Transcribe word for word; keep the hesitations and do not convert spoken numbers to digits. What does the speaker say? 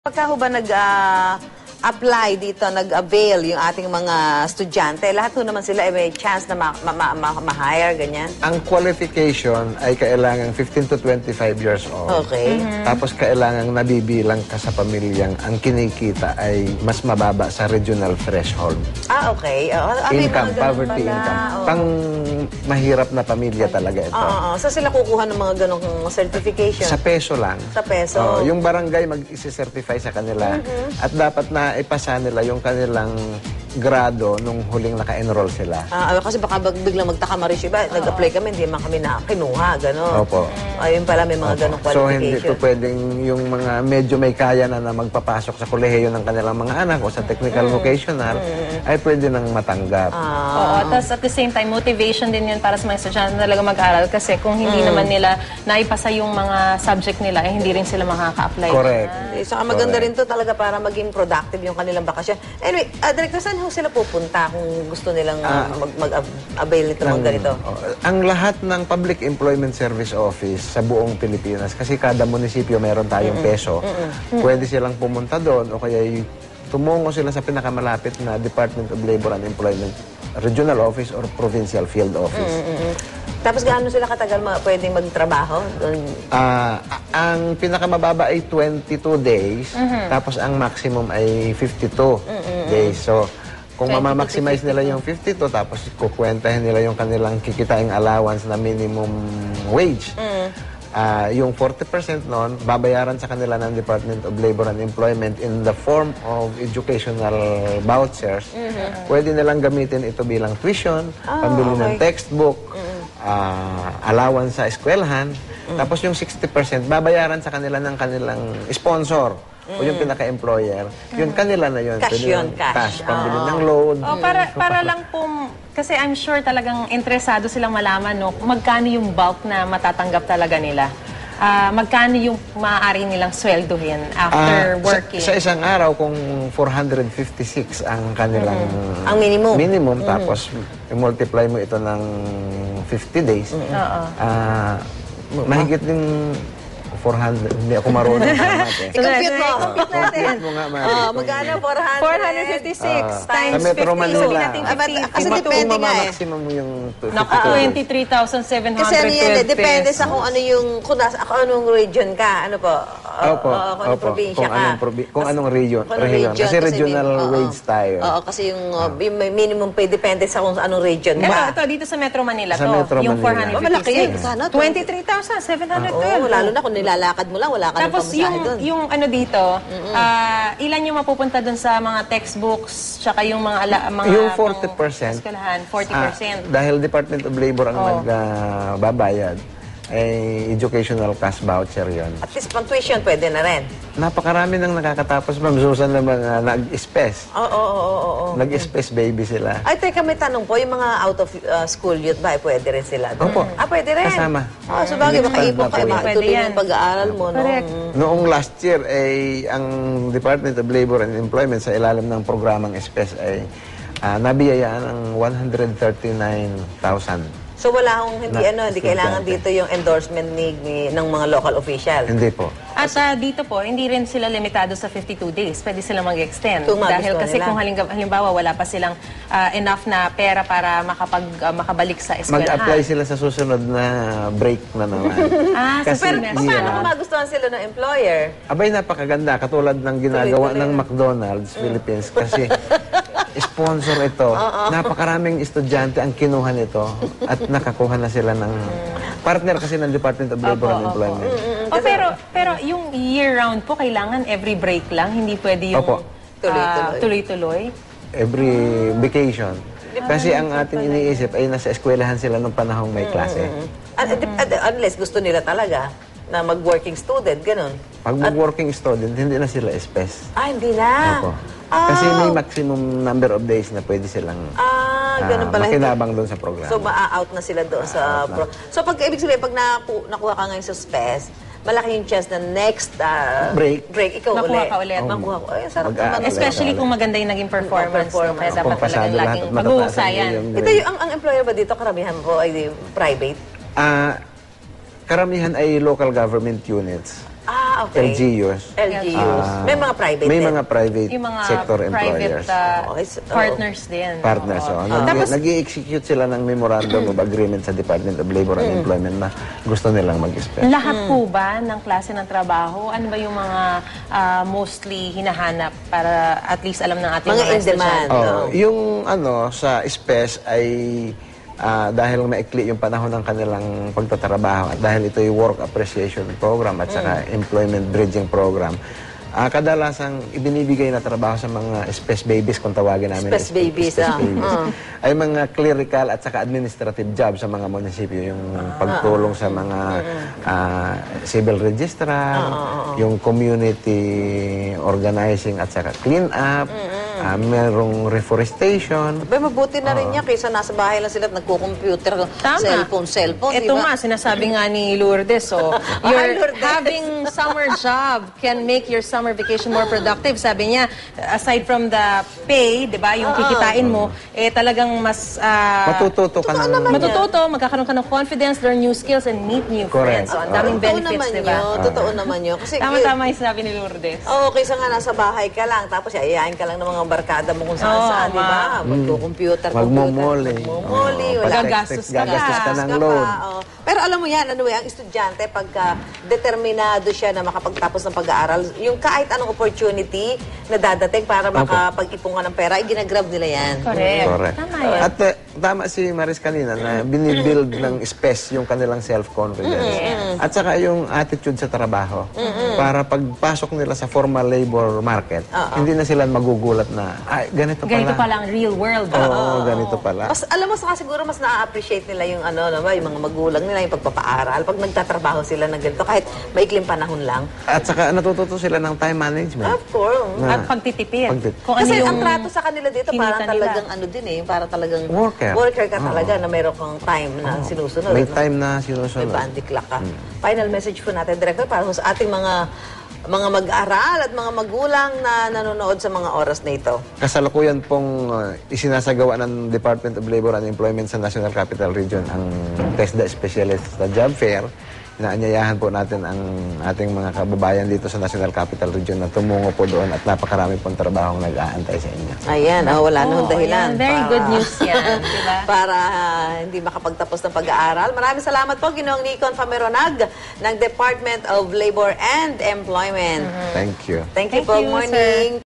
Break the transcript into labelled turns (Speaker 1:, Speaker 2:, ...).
Speaker 1: Pagka ho ba nag-apply dito, nag-avail yung ating mga estudyante, lahat ho naman sila ay may chance na ma-hire, ma ma ma ma ganyan?
Speaker 2: Ang qualification ay kailangan fifteen to twenty-five years old.
Speaker 1: Okay.
Speaker 2: Mm-hmm. Tapos kailangan nabibilang ka sa pamilyang ang kinikita ay mas mababa sa regional threshold.
Speaker 1: Ah, okay. Uh, ah,
Speaker 2: income, poverty pala. income. Oh. Pang mahirap na pamilya talaga ito.
Speaker 1: Oo. Uh, uh, so sila kukuha ng mga ganong certification?
Speaker 2: Sa peso lang.
Speaker 1: Sa peso?
Speaker 2: Uh, yung barangay mag-isi-certify sa kanila. Mm-hmm. At dapat na ipasa nila yung kanilang grado nung huling naka-enroll sila.
Speaker 1: Ah, kasi baka biglang magtaka Marisyo, ba, oh. nag-apply kami, hindi man kami na kinuha, gano'n.
Speaker 2: Opo.
Speaker 1: Ayun pala, may mga ganong qualification.
Speaker 2: So, hindi ito pwedeng yung mga medyo may kaya na na magpapasok sa kolehiyo ng kanilang mga anak o sa technical mm. vocational, mm. ay pwede nang matanggap.
Speaker 3: Ah. Oo, tapos at the same time, motivation din yun para sa mga estudyante na talaga mag-aral kasi kung hindi mm. naman nila naipasa yung mga subject nila, eh hindi rin sila makaka-apply.
Speaker 2: Correct.
Speaker 1: Ah. So, maganda Correct. rin to talaga para maging productive yung kanilang bakasyon. Anyway, uh, Director, saan ho sila pupunta kung gusto nilang uh, mag-avail nito mga ganito?
Speaker 2: Uh, ang lahat ng Public Employment Service Office sa buong Pilipinas, kasi kada munisipyo meron tayong mm -mm. peso, mm -mm. pwede silang pumunta doon o kaya tumungo sila sa pinakamalapit na Department of Labor and Employment Regional Office or Provincial Field Office. Mm -mm.
Speaker 1: Tapos gaano sila katagal ma pwedeng magtrabaho?
Speaker 2: Uh, ang pinakamababa ay twenty-two days, mm -hmm. tapos ang maximum ay fifty-two mm -hmm. days. So, kung mamamaximize nila yung fifty-two, tapos kukwentahin nila yung kanilang kikitaing allowance na minimum wage, mm. uh, yung forty percent nun, babayaran sa kanila ng Department of Labor and Employment in the form of educational vouchers. Mm-hmm. Pwede nilang gamitin ito bilang tuition, oh, pambili okay. ng textbook, mm. uh, allowance sa eskwelahan, mm. tapos yung sixty percent, babayaran sa kanila ng kanilang sponsor. Mm. O yung pinaka-employer, yun kanila na yun.
Speaker 1: Cash yun, cash.
Speaker 2: Cash, pambili oh. ng load.
Speaker 3: Oh, para, para lang po, kasi I'm sure talagang interesado silang malaman, no, magkano yung bulk na matatanggap talaga nila. Uh, magkano yung maaari nilang sweldohin after uh, working?
Speaker 2: Sa, sa isang araw, kung four hundred fifty-six ang kanilang
Speaker 1: mm. ang minimum,
Speaker 2: minimum
Speaker 1: mm.
Speaker 2: tapos i-multiply mo ito ng fifty days, mm. uh, mahigit din four hundred. Hindi ako marunong sa math eh.
Speaker 1: I-compute mo.
Speaker 3: I-compute natin.
Speaker 2: I-compute mo nga, Mari.
Speaker 1: Oh, magkano? four hundred
Speaker 3: fifty-six
Speaker 2: uh,
Speaker 3: times
Speaker 2: sa Metro Manila.
Speaker 3: fifty.
Speaker 1: Kasi depende nga eh.
Speaker 2: Maximum mo yung
Speaker 3: Naku, twenty-three thousand seven hundred
Speaker 1: twelve. Kasi ano yan eh, depende sa kung ano yung, kung, nasa, kung anong region ka. Ano po?
Speaker 2: Opo.
Speaker 1: Uh, kung anong probinsya ka.
Speaker 2: Kung anong region. Kasi regional wage tayo.
Speaker 1: Oo, kasi yung minimum pay depende sa kung anong region ba.
Speaker 3: Ito, dito sa Metro Manila
Speaker 2: to.
Speaker 3: Yung four hundred fifty-six.
Speaker 1: twenty-three
Speaker 3: thousand seven hundred twelve.
Speaker 1: Oo, lalo na kung nilalakad mo lang, wala ka ng pamasahe
Speaker 3: yung,
Speaker 1: doon.
Speaker 3: yung ano dito, mm-hmm. uh, ilan yung mapupunta doon sa mga textbooks, tsaka yung mga, ala, mga
Speaker 2: yung forty percent.
Speaker 3: Eskalahan, forty percent.
Speaker 2: Uh, dahil Department of Labor ang oh. nagbabayad, uh, ay educational cash voucher yon.
Speaker 1: At least pang tuition, pwede na rin.
Speaker 2: Napakarami nang nakakatapos, Ma'am Susan, na mga nag-spes.
Speaker 1: Oo, oo, oo, oo.
Speaker 2: Nag-spes baby sila.
Speaker 1: Ay, teka, may tanong po, yung mga out of uh, school youth ba, pwede rin sila?
Speaker 2: Opo.
Speaker 1: Ah, pwede rin?
Speaker 2: Kasama.
Speaker 1: Ah, so bagay, makaipon kayo, makatuloy yung pag-aaral mo.
Speaker 3: Correct.
Speaker 1: No?
Speaker 2: Noong last year, ay ang Department of Labor and Employment sa ilalim ng programang spes ay uh, nabiyayaan ng one hundred thirty-nine thousand.
Speaker 1: So wala akong hindi, na, ano, hindi kailangan dito yung endorsement ni, ni, ng mga local official?
Speaker 2: Hindi po.
Speaker 3: At uh, dito po, hindi rin sila limitado sa fifty-two days. Pwede silang mag-extend. Dahil kasi nila. Kung halimbawa wala pa silang uh, enough na pera para makapag, uh, makabalik sa eskwelahan.
Speaker 2: Mag-apply sila sa susunod na break na naman.
Speaker 3: ah,
Speaker 1: kasi, pero paano yeah. kung magustuhan sila ng employer?
Speaker 2: Abay, napakaganda. Katulad ng ginagawa tuloy, tuloy. ng McDonald's, mm. Philippines. Kasi sponsor ito. Uh -oh. Napakaraming estudyante ang kinuha nito at nakakuha na sila ng partner kasi ng Department of Labor opo, and Employment.
Speaker 3: Mm, mm, oh, pero pero yung year-round po, kailangan every break lang? Hindi pwede yung tuloy-tuloy? Uh,
Speaker 2: every vacation. Kasi ang ating iniisip ay nasa eskwelahan sila nung panahong may klase.
Speaker 1: Mm, mm, mm. Unless gusto nila talaga na mag-working student, ganun.
Speaker 2: Pag mag-working student, hindi na sila espes.
Speaker 1: Ah, hindi na?
Speaker 2: Opo. Oh. Kasi may maximum number of days na pwede silang
Speaker 1: ah, ganun
Speaker 2: uh,
Speaker 1: pala,
Speaker 2: makinabang doon sa programa.
Speaker 1: So, ma-out na sila doon sa... Pro so, pag ibig sabihin, pag naku nakuha ka ngayon sa spes, malaki yung chance na next uh,
Speaker 2: break.
Speaker 1: break, ikaw
Speaker 3: makuha
Speaker 1: ulit.
Speaker 3: ka ulit.
Speaker 1: Oh, makuha ko. Ay, sarap naman.
Speaker 3: Especially kung maganda yung naging performance.
Speaker 1: performance.
Speaker 3: No? Kaya dapat talagang laging mag-uusayan.
Speaker 1: Ito yung, ang, ang employer ba dito, karamihan po ay private?
Speaker 2: Ah, uh, karamihan ay local government units.
Speaker 1: Ah, Ah, okay.
Speaker 2: L G Us.
Speaker 1: L G Us.
Speaker 2: Ah,
Speaker 1: May mga private
Speaker 2: May
Speaker 1: din.
Speaker 2: mga private
Speaker 3: Yung mga
Speaker 2: sector
Speaker 3: private
Speaker 2: employers.
Speaker 3: uh,
Speaker 1: Okay, so-
Speaker 3: partners din.
Speaker 2: Partners.
Speaker 3: Oo.
Speaker 2: Oh. Nag-
Speaker 3: Tapos,
Speaker 2: Nag-i-execute sila ng memorandum of agreement sa Department of Labor and Employment na gusto nilang mag-spec.
Speaker 3: lahat po ba ng klase ng trabaho? Ano ba yung mga ah, mostly hinahanap para at least alam ng ating
Speaker 1: Mga
Speaker 3: mga
Speaker 1: in demand.
Speaker 3: estudyante?
Speaker 2: Oh, yung ano sa SPES ay ah, dahil maikli yung panahon ng kanilang pagtatrabaho at dahil ito yung work appreciation program at saka employment bridging program. Ah, kadalasang ibinibigay na trabaho sa mga SPES babies kung tawagin namin.
Speaker 1: SPES babies,
Speaker 2: SPES
Speaker 1: ah.
Speaker 2: babies. Ay mga clerical at saka administrative job sa mga munisipyo, yung pagtulong sa mga ah, civil registrar, yung community organizing at saka clean up, ah, merong reforestation.
Speaker 1: Ba, mabuti na rin niya kaysa nasa bahay lang sila at nagko-computer,
Speaker 3: Tama.
Speaker 1: cellphone, cellphone.
Speaker 3: Ito
Speaker 1: di ba?
Speaker 3: nga, sinasabi nga ni Lourdes, so, your
Speaker 1: Lourdes.
Speaker 3: having summer job can make your summer vacation more productive. Sabi niya, aside from the pay, di ba, yung kikitain mo, eh talagang mas... ah,
Speaker 2: Matututo ka ng...
Speaker 3: matututo, magkakaroon ka ng confidence, learn new skills, and meet new
Speaker 2: Correct.
Speaker 3: friends. So, ang daming
Speaker 1: Totoo
Speaker 3: benefits,
Speaker 1: naman
Speaker 3: di ba?
Speaker 1: yun. Totoo naman yun. Kasi,
Speaker 3: Tama-tama yung sinabi ni Lourdes.
Speaker 1: Oo, kaysa nga nasa bahay ka lang, tapos yayayain ka lang ng mga barkada mo kung saan
Speaker 3: Oo,
Speaker 1: saan, di ba?
Speaker 3: ma-
Speaker 1: Magko-computer,
Speaker 2: Magmumoli.
Speaker 1: Magmumoli,
Speaker 2: Oo,
Speaker 1: wala.
Speaker 3: Gagastos ka
Speaker 2: gagastos ka
Speaker 3: pa.
Speaker 2: ng
Speaker 1: ka
Speaker 2: load.
Speaker 1: pa, oo. Pero alam mo yan, ano eh, ang estudyante, pagka determinado siya na makapagtapos ng pag-aaral, yung kahit anong opportunity na dadating para makapag-ipon ka ng pera, ay ginagrab nila yan.
Speaker 3: Correct.
Speaker 2: Correct.
Speaker 3: Tama yan.
Speaker 2: At uh, tama si Maris kanina na binibuild ng space yung kanilang self-confidence. At saka yung attitude sa trabaho. Para pagpasok nila sa formal labor market, hindi na sila magugulat na, ay, ganito pala.
Speaker 3: Ganito pala ang real world.
Speaker 2: Oo, ganito pala.
Speaker 1: Mas, alam mo, saka siguro mas na-appreciate nila yung ano, ano ba, yung mga magulang nila, yung pagpapaaral. Pag nagtatrabaho sila ng ganito, kahit maikling panahon lang.
Speaker 2: At saka natututo sila ng time management.
Speaker 1: Of course.
Speaker 2: Na-
Speaker 3: At pagtitipid.
Speaker 2: Pagtitipid.
Speaker 3: Kung ano
Speaker 1: Kasi
Speaker 3: yung
Speaker 1: ang trato sa kanila dito, parang
Speaker 3: kinita nila.
Speaker 1: talagang ano din eh, parang talagang
Speaker 2: Worker.
Speaker 1: worker ka talaga na meron kang time na sinusunod.
Speaker 2: May
Speaker 1: no?
Speaker 2: time na
Speaker 1: May
Speaker 2: sinusunod.
Speaker 1: bandy clock ka. Final message po natin, Director, para sa ating mga mga mag-aaral at mga magulang na nanonood sa mga oras na ito.
Speaker 2: Kasalukuyan pong uh, isinasagawa ng Department of Labor and Employment sa National Capital Region ang TESDA Specialist sa Job Fair. Inaanyayahan po natin ang ating mga kababayan dito sa National Capital Region na tumungo po doon at napakarami pong trabahong nag-aantay sa inyo.
Speaker 1: Ayan, oh, wala na
Speaker 3: Oo,
Speaker 1: hong dahilan.
Speaker 3: ayan. Very
Speaker 1: para-
Speaker 3: good news yan, di ba?
Speaker 1: Para ah, hindi makapagtapos ng pag-aaral. Maraming salamat po, Ginoong Nicon Fameronag ng Department of Labor and Employment.
Speaker 2: Thank you.
Speaker 1: Thank you
Speaker 3: Thank
Speaker 1: po.
Speaker 3: you,
Speaker 1: Morning.